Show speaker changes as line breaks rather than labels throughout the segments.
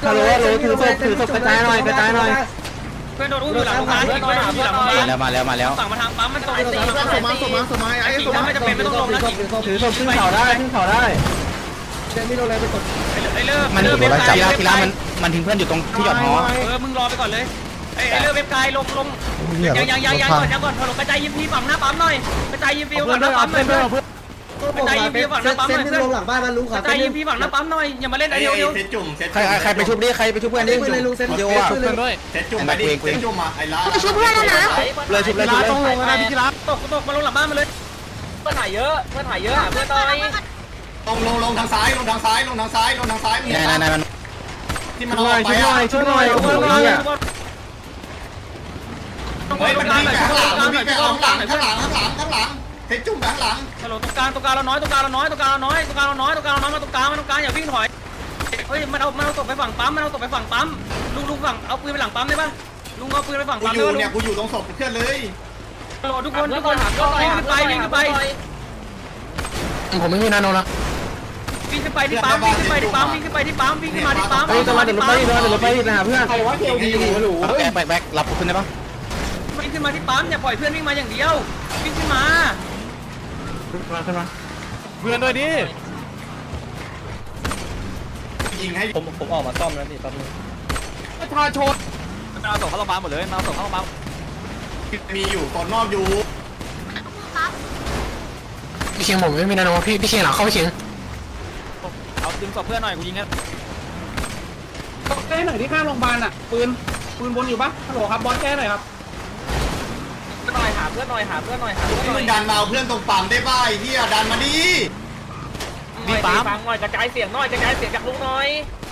ฮัลโหลถือศพกระจายหน่อยกระจายหน่อย
เพื่อนโดนอุ้มอยู่หลังโรงพยาบาลเพื่อนโดนอุ้มอยู่หลังโรงพยาบาล
มาแล้ว
ฝั่งมาทางปั๊มมันตรงไอ้ตี
สมัยไอ้
ถ้าไม่จำเป็นไม่ต้องลงนะ
ถือศพขึ้นเขาได้ขึ้นเขาได้เจมี่โดนอะไรไปกด
ไอ้เลิก
มัน
เลิก
โดนจับทีละมันทิ้งเพื่อนอยู่ตรงที่หยอดหอ
มึงรอไปก่อนเลยไอ้เลิกเว็บกายลงยังก่อนถล่มกระจายยิมพีฝั่งหน้าปั๊มหน่อยกระจายยิมพีฝั่งหน้าปั๊มหน่อยเพื่อนกระจายยิมพีฝั่งหน้าปั๊มหน่อยเพื่อน
ลงหลังบ้านมันลุง
ก
ขา
ระจายยิมพีฝั่งหน้าปั๊มหน่อยอย่ามาเล่นไอ้เดียว
ใครไปชุบดิใครไปชุบเพื่อนดิ
เลยลุงเซ็น
เดียว
เซ็
อ่ะ
นเลย
เซ็ตจุ่มไปดิเซ็ตจุ่มมาไอ้ล้า
ช่วยเพื่อนแล้วนะ
เลยชุบเลยต้องลงนะพี่รัก
ตกมาลงหลังบ้านมาเลยเพื่อนถ่ายเยอะเพื่อนถ่ายเยอะเพื่อนต่อย
ลงทางซ้ายลงทางซ้าย
นายมัน
ที่มันออกไป
ช่วยหน่อย
เฮ้ยมันวิ่งไปข้างหลังมันวิ่งไปข้างหลังเซ็ตจุ่มไปข้างหลัง
ฮัลโหลตรงกลางเราน้อยมาตรงกลางอย่าวิ่งถอยเฮ้ยมันเอาตกไปฝั่งปั๊มลุงฝั่งเอาปืนไปหลังปั๊มได้ป่ะลุงเอาปืนไปฝั่ง
กู
ปั๊ม
อยู่เนี่ยกูอยู่ตรงศพเพื่อนเลย
ฮัลโหลทุกคนวิ่งขึ้นไป
ผมไม่มีนาโนนะ
วิ่งขึ้นไปที่ปั๊มวิ่งขึ้นมาที่ปั๊ม
เฮ้ยจะมาเดี๋ยวรถไปนะเพื่อนใครว่าเกี่ยวดีหรู
แบกรับขึ้นได้ปะ
วิ่งขึ้นมาที่ปั๊มอย่าปล่อยเพื่อนวิ่งมาอย่างเดียววิ่งขึ้นมา
ขึ้นมา
เพื่อนด้วยดิ
ยิงให้
ผมออกมาซ่อมแล้วนี่ตอนนี้ประชาชนมันเอาส่งเข้าโรงพยาบาลหมดเลยมันเอาส่งเข้าโรงพยาบาล
มีอยู่ตอนนอกอยู่
พี่เชียงผมไม่มีนาโนพี่เชียงหลังเข้าพี่เชียงเอาดึงศพเพื่อนหน่อยกูยิงนะ
แก้หน่อยที่ข้างโรงพยาบาลอ่ะปืนบนอยู่ปะฮัลโหลครับบอสแก้หน่อยครับ
หาเพื่อนหน่อย
ที่มึงดันมาเอาเพื่อนตรงปั๊มได้ป่ะไอ้เหี้ยดันมาดิ
มีปั๊มฟังหน่อยกระจายเสียงจากลุงหน่อย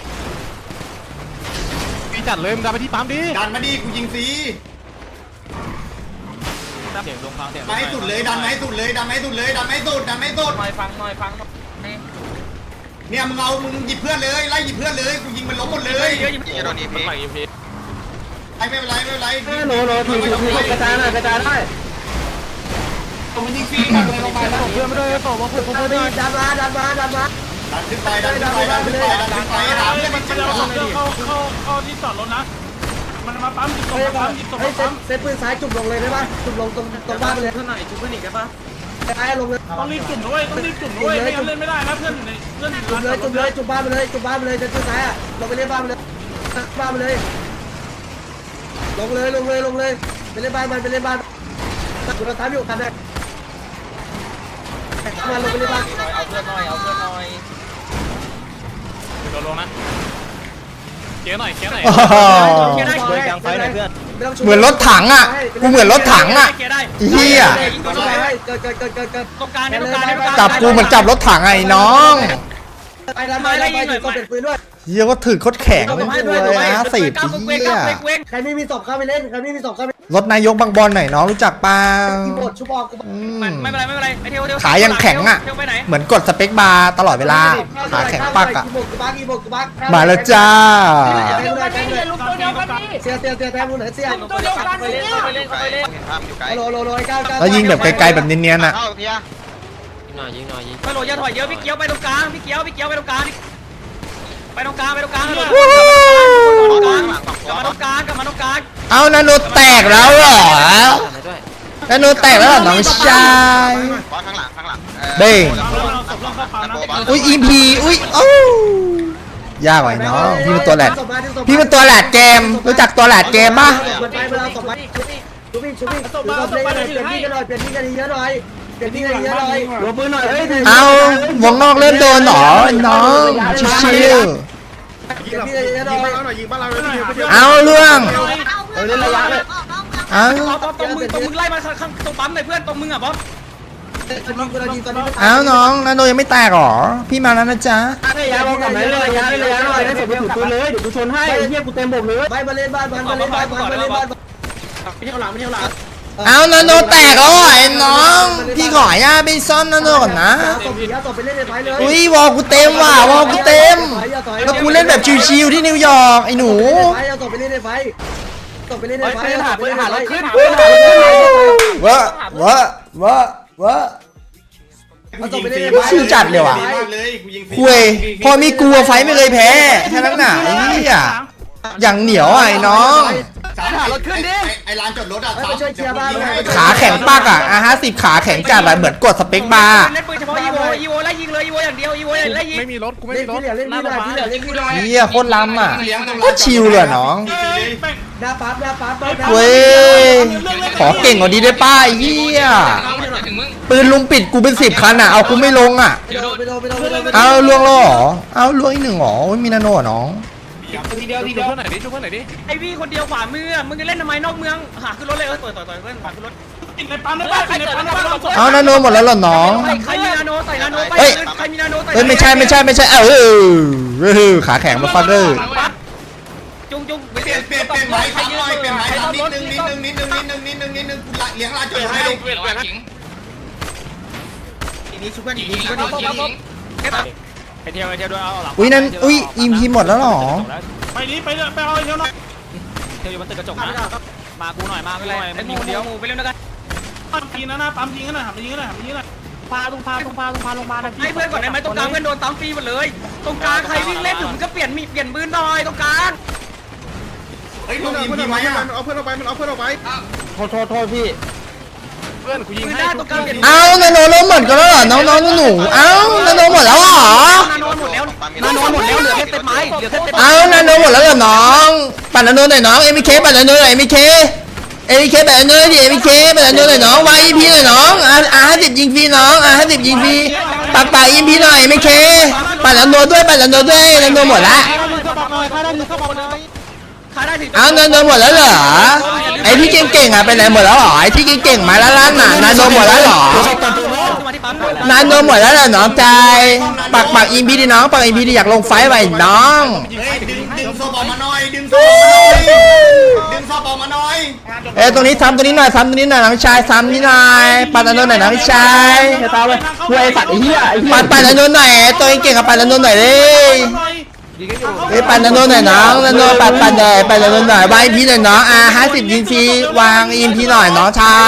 พี่จัดเลยมึงดันไปที่ปั๊มดิ
ดันมาดิกูยิงฟรี
เสียงลงฟังเสียง
มาให้สุดเลยดันมาให้สุด
ฟังหน่อย
เนี่ยมึงหยิบเพื่อนเลยไล่หยิบเพื่อนเลยกูยิงมันล้มหมดเลย
เยอะอยู่
โดนอีพี
ไม่เป็นไร
โหลถือกระจายหน่อยกระจายได้ผมมันยิงฟรีครับเลยลงไปแล้วเพื่อนไม่ได้ต่อมาผมไม่ได้ดันมา
ดันขึ้นไปหาเพื่อนมันจะ
เข้าที่จอดรถนะมันมาปั๊มจิบตรงเซตปืนซ้ายจุ่มลงเลยได้ป่ะจุ่มลงตรงบ้านไปเลย
เพื่อนหน่อยจุ๊บเพื่อนอีกได้ปะ
ซ้ายลงเลย
ต้องรีบจุ่มด้วยไม่งั้นเล่นไม่ได้นะเพื่อนอยู่ในเพื่อนอยู่
จุ่มเลยจุ่มบ้านไปเลยเซตปืนซ้ายอ่ะลงไปเล่นบ้านไปเลยลงเลยไปเล่นบ้านมันไปเล่นบ้านกูเราตามอยู่กันได้มาลงไปเล่นบ้าน
เอาเพื่อนหน่อย
โดนลงนะเกี้ยหน่อย
ช่วยกลางไฟหน่อยเพื่อน
เหมือนรถถังอ่ะกูเหมือนรถถังอ่ะเฮีย
เกิด
ตรงกลาง
จับกูเหมือนจับรถถังไอ้น้อง
ไปแล้วก็เป็นปืนด้วย
เฮียก็ถือโคตรแข็งเลยนะสิบเฮีย
ใครไม่มีศพเข้าไปเล่น
รถนายกบางบอลหน่อยน้องรู้จักเปล่า
กีบดชุบออก
ไม่เป็นไรไอเทว
ขายังแข็งอ่ะเหมือนกดสเปคบาร์ตลอดเวลาขาแข็งปักอ่ะ
กีบก
มาแล้วจ้า
เดียวกันนี่อย่าลุกตัวเดียวกันนี่
เสียแทนบุญเหนือเสีย
ตัวเดียวกันนี่
โลก้าว
แล้วยิงแบบไกลๆแบบเนียนๆอ่ะ
ยิงหน่อย
ไปโหลอย่าถอยเยอะพี่เกี้ยวไปตรงกลางไปตรงกลางกลับมาตรงกลาง
เอานาโนแตกแล้วเหรอนาโนแตกแล้วเหรอน้องชายเด้งอุ้ยอีพีอุ้ยโอ้ยากกว่าน้องพี่เป็นตัวแหลดเกมรู้จักตัวแหลดเกมป่ะ
ไปเวลาศพไปชุบเปลี่ยนที่กันเยอะหน่อยหัวปืนหน่อย
เอาวงนอกเริ่มโดนหรอน้องชิวเอาเรื่องเอา
ตรงมึงไล่มาข้างตรงปั๊มหน่อยเพื่อนตรงมึงอ่ะบ๊อบ
เอาน้องนาโนยังไม่แตกหรอพี่มาแล้วนะจ๊ะ
ระยะบอกกับไหนเลยระยะหน่อยได้ศพไปถือปืนเลยเดี๋ยวกูชนให้เฮียกูเต็มบกเลยไปมาเล่นบ้านไม่เที่ยวหลัง
เอานาโนแตกแล้วไอ้น้องพี่ขอย่าไปซ่อมนาโนก่อนนะ
ศพไปเล่นในไฟเลย
อุ้ยวอลกูเต็มว่ะวอลกูเต็มแล้วกูเล่นแบบชิวๆที่นิวยอร์กไอ้หนู
ศพไปเล่นในไฟ
วะวะวะวะชิวจัดเลยว่ะ
เลยกูยิง
คุยพอมีกลัวไฟไม่เคยแพ้แค่นั้นหนาไอ้เหี้ยอย่างเหนียวไอ้น้อง
รถขึ้นดิไอ้ร้านจอดรถอ่ะ
ขาแข็งปากอ่ะ50ขาแข็งจัดอะเหมือนกดสเปคบาร์
เล่นปืนเฉพาะอีโวไล่ยิงเลยอีโวอย่างเดียวอีโวไล่ยิง
ไม่มีรถกูไม่มีรถเล่นนี่ได้ที่เหลือเล่นนี่ได้
เหี้ยโคตรล้ำอ่ะโคตรชิวเลยน้อง
หน้าปั๊บ
เว้ยขอเก่งกว่านี้ได้ป้าไอ้เหี้ยปืนลุมปิดกูเป็น10คันอ่ะเอากูไม่ลงอ่ะเอาล่วงแล้วเหรอเอาล่วงอีก1หรอมีนาโน่น้อง
ทีเดียวเพื่อนไหนดิช่วยเพื่อนไหนดิ
ไอวี่คนเดียวขวามือมึงจะเล่นทำไมนอกเมืองหาขึ้นรถเลยต่อยเพื่อนขวาขึ้นรถ
ติดในปั๊มได้ป่ะติดในปั๊มได้ป่ะ
เอานาโน่หมดแล้วเหรอน้อง
ใครมีนาโนใส่นาโนไปใครมีนาโนใส่
เฮ้ยไม่ใช่ขาแข็งมาฟักเกอร์
จุง
เปลี่ยนไม้ทำหน่อยเปลี่ยนไม้ทำนิดนึงกูเลี้ยงร้านจอดให้
ทีนี้ชุบกันอีกทีก็ดีแค่แบบ
ไปเที่ยวด้วยเอาหลัง
อุ้ยนั่นอุ้ยอิมพีหมดแล้วเหรอ
ไปนี้ไปเอาเที่ยวหน่อย
เที่ยวอยู่บนตึกกระจกนะมากูหน่อยมากูหน่อย
ไอ้
มัน
ห
มี
มู
คนเดียว
ไปเล่นด้วยกัน
ปั๊มยิงนะหน้าปั๊มยิงนะหันไปยิงนะหันไปยิงนะ
พาลงมาลงมานะพี่
ให้เพื่อนก่อนได้ไหมตรงกลางเพื่อนโดนตามฟรีหมดเลยตรงกลางใครวิ่งเล่นถึงก็เปลี่ยนปืนหน่อยตรงกลาง
เฮ้ยต้องยิงพี่ไหมอ่ะ
เอาเพื่อนออกไปโทษพี่เพื่อนกูยิง
ปืน
ให้
ได้ตรงกลางเปลี่ยน
เอานาโนล้มหมดกันแล้วเหรอน้องหนูเอานาโนหมดแล้วเหรอ
นาโนหมดแล้วเหลือแค่เต็มไม้เหลือแค่เต็ม
เอานาโนหมดแล้วเหรอน้องปั่นนาโนหน่อยน้องเอ็มเคปั่นนาโนหน่อยเอ็มเคปั่นนาโนดิเอ็มเคปั่นนาโนหน่อยน้องวายอีพีหน่อยน้อง50ยิงฟรีน้อง50ยิงฟรีปักป่าอีพีหน่อยเอ็มเคปั่นนาโนด้วยนาโนหมดละ
ขาได้ถึง
เอานาโนหมดแล้วเหรอไอที่เก่งๆอ่ะไปไหนหมดแล้วเหรอไอที่เก่งๆมาล้านน่ะนาโนหมดแล้วเหรอ
มาที่ปั๊ม
นาโนหมดแล้วเหรอน้องใจปักอีพีดิน้องปักอีพีดิอยากลงไฟไว้น้อง
เฮ้ยดึงโซบอลมาหน่อยดึงโซบอลมาหน่อย
ตรงนี้ซ้ำตรงนี้หน่อยซ้ำตรงนี้หน่อยน้องชายซ้ำนี่หน่อยปัดนาโนหน่อยน้องชายตาเว้ยช่วยสัตว์ไอ้เหี้ยปัดนาโนหน่อยตัวเก่งกับปัดนาโนหน่อยเลยปัดนาโนหน่อยน้องนาโนปัดนาโนหน่อยวางอีพีหน่อยน้อง50ยิงฟรีวางอีพีหน่อยน้องชาย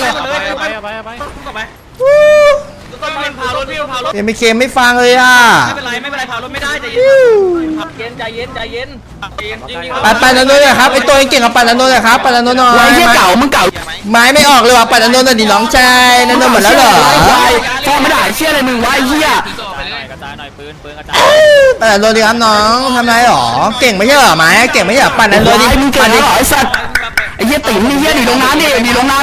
พารถพี่พารถ
ไม่เคไม่ฟังเลยอ่ะ
ไม่เป็นไรพารถไม่ได้ใจเย็น
ปัดนาโนหน่อยครับไอตัวเก่งกับปัดนาโนหน่อยครับปัดนาโนหน่อยไม้เก่ามึงเก่าไม้ไม่ออกเลยว่ะปัดนาโนหน่อยดิน้องชายนาโนหมดแล้วเหรอ
ฟ้องไม่ได้เชี่ยอะไรมึงวะไอ้เหี้ยกระจายหน่อยปืนกระจาย
ปัดนาโนดิครับน้องทำไรหรอเก่งไม่ใช่หรอไม้เก่งไม่ใช่หรอปัดนาโนดิปัดดิ
ไอ้สัตว์ไอ้เหี้ยติ๋มนี่เหี้ยหนีลงน้ำดิ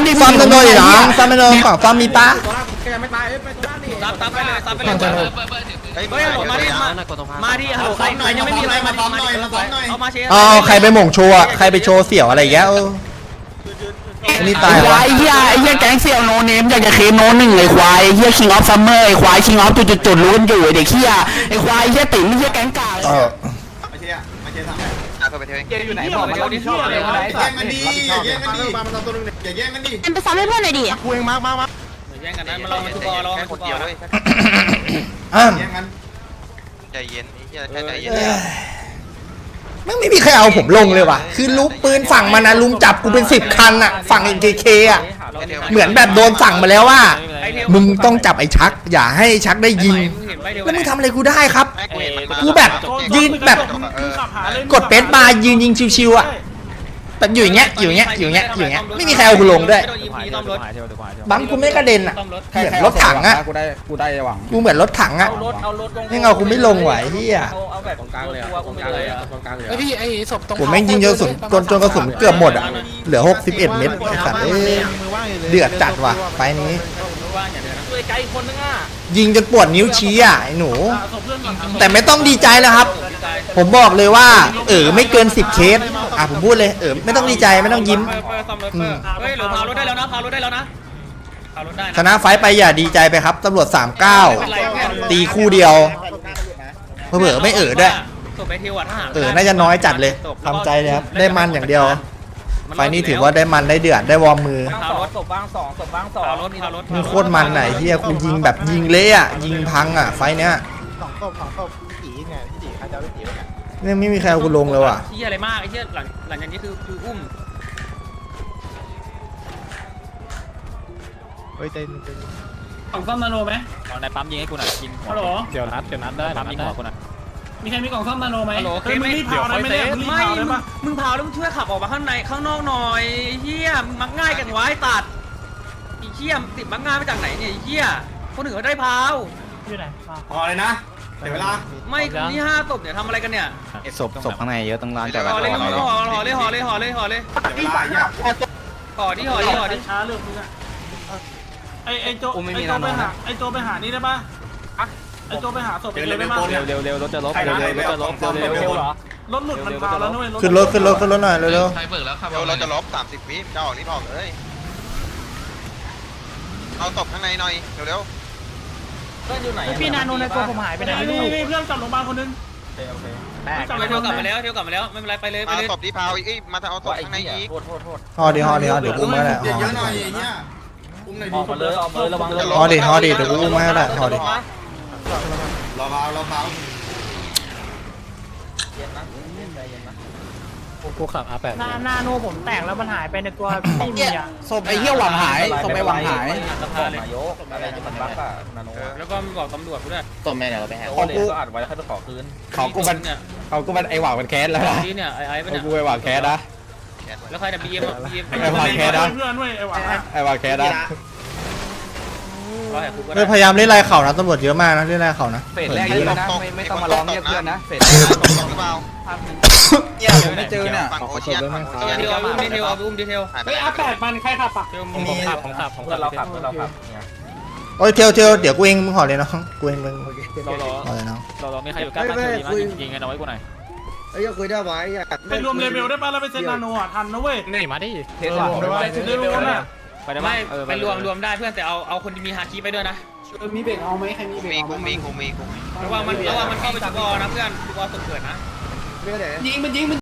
ซ้อมนาโนดิน้องซ้อมนาโนกล่องซ้อมมีปะ
ตามไปเลยเฮ้ยมาดิฮัลโหลใครหน่อยยังไม่มีอะไรมาซ้อมหน่อยเอามาเชียร์
อ๋อใครไปหม่งโชว์อะใครไปโชว์เสี่ยวอะไรอย่างเงี้ยอันนี้ตายวะ
ไอ้เหี้ยแก๊งเสี่ยวโนเนมอยากจะเคมโนหนึ่งไอ้ควายไอ้เหี้ยคิงออฟซัมเมอร์ไอ้ควายคิงออฟจุดรู้กันอยู่ไอ้เด็กเหี้ยไอ้ควายไอ้เหี้ยติ๋มไอ้เหี้ยแก๊งกา
มาเชียร์ทำ
อยู่ไหนบอกมาดิ
แย่งกันดีอย่าแย่งกันดีอย่าแย่งกันดี
ไปซ้อมให้เพื่อนหน่อยดิ
กูเองมา
แย่งกันนะมาลองมาทุบอลลองคนเดียวเลย
แย่งกัน
ใจเย็นนี่ใจเย็น
ไม่มีใครเอาผมลงเลยว่ะคือลุกปืนฝั่งมันนะลุมจับกูเป็น10คันอะฝั่ง NKK อะเหมือนแบบโดนสั่งมาแล้วว่ามึงต้องจับไอ้ชักอย่าให้ชักได้ยิงแล้วมึงทำอะไรกูได้ครับกูแบบยืนแบบกดเป็ดมายืนยิงชิวๆอะแบบอยู่อย่างเงี้ยไม่มีใครเอากูลงด้วยบังกูไม่กระเด็นอะเหมือนรถถังอะ
กูได้หวัง
กูเหมือนรถถังอะไม่เอากูไม่ลงไหวเฮีย
เอาแบบตรงกลางเลยตรงกลางเลย
ไอ้พี่ไอ้ศพตรง
ผมแม่งยิงจนกระสุนเกือบหมดอะเหลือ61เม็ดไอ้สัตว์เดือดจัดว่ะไฟนี้
ช่วยไกลคนนึงอ่ะ
ยิงจนปวดนิ้วชี้อ่ะไอ้หนู แต่ไม่ต้องดีใจแล้วครับ ผมบอกเลยว่าไม่เกิน10เคสผมพูดเลยไม่ต้องดีใจไม่ต้องยิ้ม
เฮ้ยหรือพารถได้แล้วนะพารถได้แล้วนะพารถได้
ชนะไฟไปอย่าดีใจไปครับตำรวจ39ตีคู่เดียวเผลอไม่ด้วย
ส่งไปทิวอ่ะทหาร
น่าจะน้อยจัดเลยทำใจเลยครับได้มันอย่างเดียวไฟนี้ถือว่าได้มันได้เดือดได้วอร์มมือ
พารถศพบ้าง2ศพบ้าง2พารถ
มึงโคตรมันไหนเฮียกูยิงแบบยิงเละอ่ะยิงพังอ่ะไฟเนี้ยเนี่ยไม่มีใครเอากูลงเลยว่ะ
เฮียอะไรมากไอ้เฮียหลังจากนี้คืออุ้ม
เฮ้ยเต้น
กล่องซ่อมนาโนไหม
ในปั๊มยิงให้กูหน่อยกิน
ฮัลโหล
เดี๋ยวนัดได้
ปั๊มยิงหัวกูหน่อย
มีใครมีกล่องซ่อมนาโนไหม
ฮัลโหลเค
มึ
ไม่
งรีบเผาได้ไหมเนี่ยมึงรีบ
ไม่
เผาได้ปะ
มึงเผาแล้วมึงช่วยขับออกมาข้างในข้างนอกหน่อยเฮียมักง่ายกันไว้ตัดไอ้เฮียติดมักง่ายมาจากไหนเนี่ยไอ้เฮียคนอื่นเขาได้เผา
อยู่ไหน
พอเลยนะเดี๋ยวเวลา
ไม่นี่5 ศพเนี่ยทำอะไรกันเนี่ย
ศพข้างในเยอะต้องร้านจอด
ห่อเลยห่อเลยห่อเลยห่อเลยห่อเลย
เดี๋ยวเวลาเนี่ย
ห่อดิห่อดิห่อดิ
ช้าเรื่องมึงอะไอ้โจไปหานี่ได้ปะไอ้โจไปหาศพเลยได้ปะ
เร็วรถจะลบ
เร็วเร็วเหรอ
รถหลุดมันพาแล้วนุ้ย
ขึ้นรถหน่อยเร็ว
เดี๋ยวเราจะลบ30 วิจะออกรีบออกเลยเอาตบข้างในหน่อยเร็ว
พี่นาโนในตัวผมหายไปไหนไม่รู้
มีเพื่อนกลับโรงพยาบาลคนนึง
เที่ยวกลับมาแล้วไม่เป็นไรไปเลย
ๆ
ไป
มา
เลย
ตบที่พาวอีกมาเอาตบข้างในอีก
ๆห่อดิเดี๋ยวกูมาแหละ
เยอะหน่อยอย่างเงี้ยอุ้มหน่อยดิ
ออกมาเลยระวัง
ห่อดิเดี๋ยวกูมาแหละห่อดิ
รอเบา
กูขับ R8
นาโนผมแตกแล้วมันหายไปในตัวไม่มีอ่ะ
ศพไอ้เหี้ยหวังหายศพไอ้หวังหาย
แล้วก็บอกตำรวจกูด้วย
ของกูอัดไว้ให้ไปขอคืนของกูมันไอ้หวังมันแคสแล้วนะ
นี่เนี่ยไอ้เป็น
กูไอ้หวังแคสนะ
แล้วใครเนี่ยบีเอ็ม
ไอ้หวังแคสนะ
เพื่อนด้วยไอ้หวัง
ไอ้หวังแคสนะ
เราแหกคุกก็
เฮ้ยพยายามเล่นลายเข่านะตำรวจเยอะมากนะเล่นลายเข่านะ
เฟสแรกนี่ไม่ต้องมาร้องเรียกเพื่อนนะเฟสตบหรือเปล่า
เนี่ยผมไม่เจอเนี่ย
ฝั่งโอเชียนฝั่งโอเชียน
ดีเทลอุ้มดีเทล
เฮ้ยR8มันใครขับอ่ะ
ผมขับ
เราขับ
โอ้ยเทลเดี๋ยวกูเองมึงห่อเลยน้องกูเองมึงห่อเลยน้อง
เราไม่ใครอยู่ใกล้บ้านดีมั้ยยิงกันเอาไว้กูหน่อย
ไปรวมเลเวลได้ป่ะแล้วไปเซ็นนาโนอ่ะทันนะเว้ย
นี่มาดิ
เซ็นเลเวลน่ะ
ไปได้ไหมไปรวมได้เพื่อนแต่เอาคนที่มีฮาคิไปด้วยนะ
มีเบรกเอาไหมใครมีเบรก
กูมี
ระวังมันเข้าไปสกอร์นะเพื่อนสกอร์ตกเกิดนะ
ยิงมัน